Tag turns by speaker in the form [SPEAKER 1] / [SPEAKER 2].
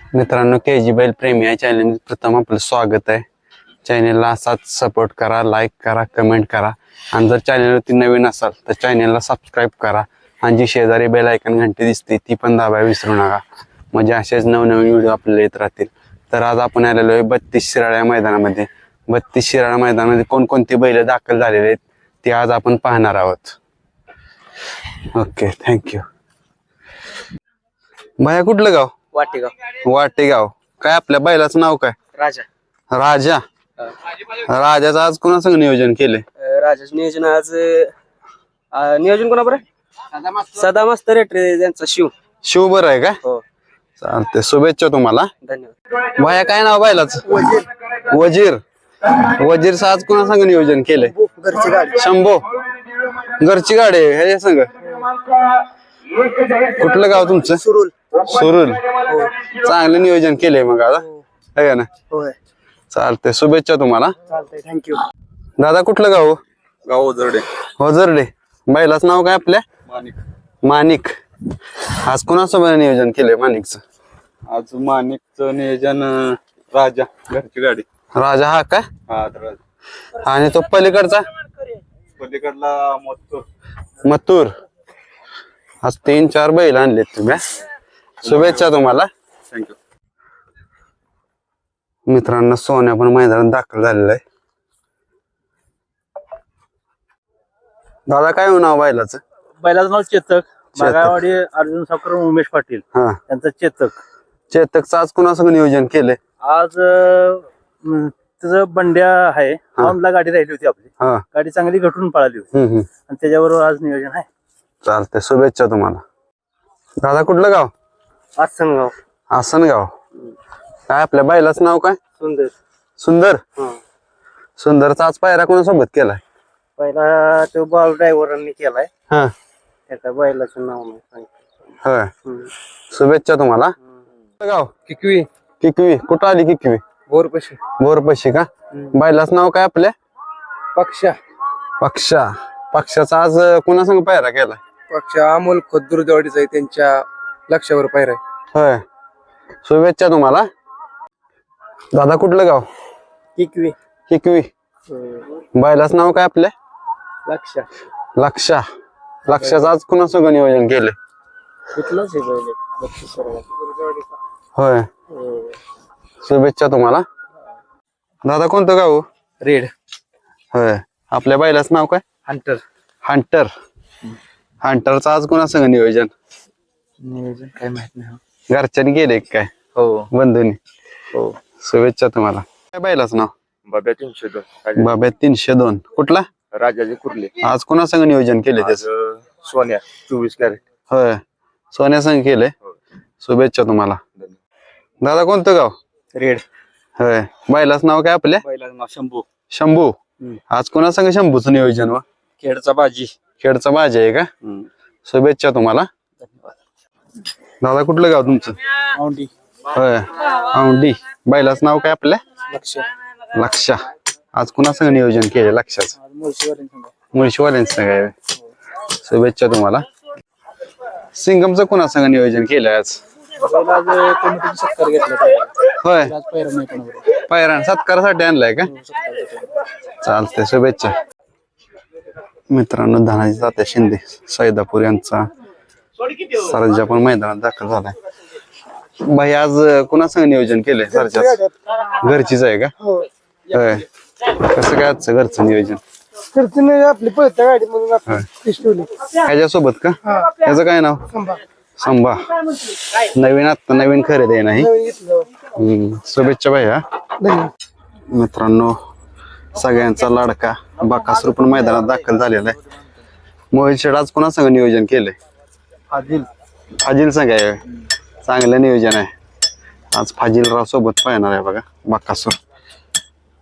[SPEAKER 1] मित्रांनो, KG बैल प्रेमी या चॅनल प्रथम आपलं स्वागत आहे. चॅनेलला असाच सपोर्ट करा, लाईक करा, कमेंट करा आणि जर चॅनलवरती नवीन असाल तर चॅनलला सबस्क्राईब करा आणि जी शेजारी बेल आयकॉन घंटी दिसते ती पण दाबायला विसरू नका, म्हणजे असेच नवनवीन व्हिडिओ आपल्याला येत राहतील. तर आज आपण आलेलो आहे 32 शिराळा मैदानामध्ये. 32 शिराळा मैदानामध्ये कोणकोणती बैल दाखल झालेले आहेत ते आज आपण पाहणार आहोत. Okay, thank you. भैया कुठलं गाव?
[SPEAKER 2] वाटेगाव.
[SPEAKER 1] वाटेगाव. काय आपल्या बैलाचं नाव काय?
[SPEAKER 2] राजा.
[SPEAKER 1] राजा. राजाचं आज कोणासंग नियोजन केले?
[SPEAKER 2] राजाचं नियोजन आज नियोजन कोणा बरं? सदा मास्तर रेटरे त्यांचा
[SPEAKER 1] शिव बरं आहे का?
[SPEAKER 2] हो.
[SPEAKER 1] चालते, शुभेच्छा तुम्हाला.
[SPEAKER 2] धन्यवाद.
[SPEAKER 1] भैया काय नाव बैलाचं? वजीर. वजीरचं आज कोणासंग नियोजन केले?
[SPEAKER 2] घरची गाडी.
[SPEAKER 1] शंभो. घरची गाडी आहे ह्याच्या संग. कुठलं गाव तुमचं?
[SPEAKER 2] सुरुल.
[SPEAKER 1] सुरुल. चांगलं नियोजन केलंय मग आता, आहे ना?
[SPEAKER 2] होय.
[SPEAKER 1] चालतंय, शुभेच्छा तुम्हाला.
[SPEAKER 2] चालतंय, थँक्यू.
[SPEAKER 1] दादा कुठलं गाव?
[SPEAKER 3] गाव ओझरडे.
[SPEAKER 1] होजर्डे. बैलाचं नाव काय आपल्या?
[SPEAKER 3] माणिक.
[SPEAKER 1] माणिक. आज कोणासोबत नियोजन केलंय माणिकचं?
[SPEAKER 3] आज माणिकचं नियोजन राजा, घरची गाडी.
[SPEAKER 1] राजा हा का?
[SPEAKER 3] हा राजा.
[SPEAKER 1] आणि तो पलीकडचा
[SPEAKER 3] पलीकडला मथुर.
[SPEAKER 1] मथुर. आज 3-4 बैल आणलेत तुम्ही. शुभेच्छा तुम्हाला.
[SPEAKER 3] थँक्यू.
[SPEAKER 1] मित्रांनो, सोन्या पण मैदानात दाखल झालेला आहे. दादा काय हो नाव बैलाचं?
[SPEAKER 4] बैलाचं नाव चेतक. मागावाडी अर्जुन सावकर, उमेश पाटील
[SPEAKER 1] हा.
[SPEAKER 4] त्यांचं चेतक.
[SPEAKER 1] चेतकचं आज कोणासंग नियोजन केलंय?
[SPEAKER 4] आज त्याचं बंड्या आहे. औंधला गाडी राहिली होती आपली.
[SPEAKER 1] हा.
[SPEAKER 4] गाडी चांगली घटून पळाली होती आणि त्याच्याबरोबर आज नियोजन आहे.
[SPEAKER 1] चालतंय, शुभेच्छा तुम्हाला. दादा कुठलं गाव?
[SPEAKER 2] आसनगाव.
[SPEAKER 1] आसनगाव. काय आपल्या बैलाचं नाव काय?
[SPEAKER 2] सुंदर.
[SPEAKER 1] सुंदर. सुंदरचा आज पायरा कोणासोबत केलाय?
[SPEAKER 2] पहिला तो बॉल ड्रायव्हरांनी केलाय.
[SPEAKER 1] हा.
[SPEAKER 2] त्याच्या बैलाचं नाव नाही सांगितलं.
[SPEAKER 1] होय. शुभेच्छा तुम्हाला. गाव
[SPEAKER 2] किकवी.
[SPEAKER 1] किकवी. कुठं आली किकवी?
[SPEAKER 2] बोरपशी.
[SPEAKER 1] बोरपशी का? बैलाचं नाव काय आपल्या?
[SPEAKER 2] पक्षा.
[SPEAKER 1] पक्षा. पक्षाचा आज कोणासंग पायरा केलाय?
[SPEAKER 2] पक्षा अमोल खुद्दुरदेवाडीचा आहे, त्यांच्या लक्षावर पायरा आहे.
[SPEAKER 1] होय. शुभेच्छा तुम्हाला. दादा कुठलं गाव?
[SPEAKER 2] किकवी.
[SPEAKER 1] किकवी. बैलाचं नाव काय आपल्या?
[SPEAKER 2] लक्षा.
[SPEAKER 1] लक्षा. लक्षाचं आज कोणासंग नियोजन केलंय?
[SPEAKER 2] कुठलाच आहे बैल.
[SPEAKER 1] होय. शुभेच्छा तुम्हाला. दादा कोणतं गाव?
[SPEAKER 2] रेड.
[SPEAKER 1] होय. आपल्या बैलाचं नाव काय?
[SPEAKER 2] हंटर.
[SPEAKER 1] हंटर. हंटरचं आज कोणासंग नियोजन?
[SPEAKER 2] नियोजन काय माहित नाही.
[SPEAKER 1] घरच्यांनी केले काय?
[SPEAKER 2] हो.
[SPEAKER 1] बंधूनी.
[SPEAKER 2] हो.
[SPEAKER 1] शुभेच्छा तुम्हाला. काय बैलाचं नाव?
[SPEAKER 3] बाब्या 302.
[SPEAKER 1] बाब्या 302. कुठला?
[SPEAKER 3] राजाचे कुर्ले.
[SPEAKER 1] आज कोणासंग नियोजन केले त्याच?
[SPEAKER 3] सोन्या 24 कॅरेट.
[SPEAKER 1] होय. सोन्या संग केले. शुभेच्छा तुम्हाला. दादा कोणतं गाव?
[SPEAKER 2] रेड.
[SPEAKER 1] होय. बैलाचं नाव काय आपल्या?
[SPEAKER 3] बैलाचं नाव शंभू.
[SPEAKER 1] शंभू. आज कोणासंग शंभूचं नियोजन व?
[SPEAKER 3] खेडचा बाजी.
[SPEAKER 1] खेडचा बाजी आहे का? शुभेच्छा तुम्हाला. दादा कुठलं गाव तुमचं?
[SPEAKER 2] औंढी.
[SPEAKER 1] होय. औंढी. बैलाचं नाव काय आपल्या?
[SPEAKER 2] लक्ष.
[SPEAKER 1] लक्षा. आज कुणासंग नियोजन केले लक्षाचं? मुळशीवाल्यांचं काय? शुभेच्छा तुम्हाला. सिंगमचं कुणासंग नियोजन केलंय आज?
[SPEAKER 2] सत्कार घेतला.
[SPEAKER 1] होय. पायरान सत्कारासाठी आणलाय का? चालतंय, शुभेच्छा. मित्रांनो, धनाजी तात्या शिंदे सैदापूर यांचा सरजा पण मैदानात दाखल झालाय. भाई आज कुणासंग नियोजन केलंय? सरजा घरचीच आहे का? होय. कसं काय आजचं घरचं नियोजन?
[SPEAKER 2] आपली पळत्या गाडी म्हणून
[SPEAKER 1] ह्याच्यासोबत का? ह्याचं काय नाव? संभा. नवीन खरेदी आहे नाही. शुभेच्छा भैया. मित्रांनो, सगळ्यांचा लाडका बाकासूर पण मैदानात दाखल झालेला आहे. मोहित शेठ आज कोणासंग नियोजन केलंय? फाजिल संघ आहे. चांगलं नियोजन आहे. आज फाजिलराव सोबत पाहणार आहे बघा बाकासूर.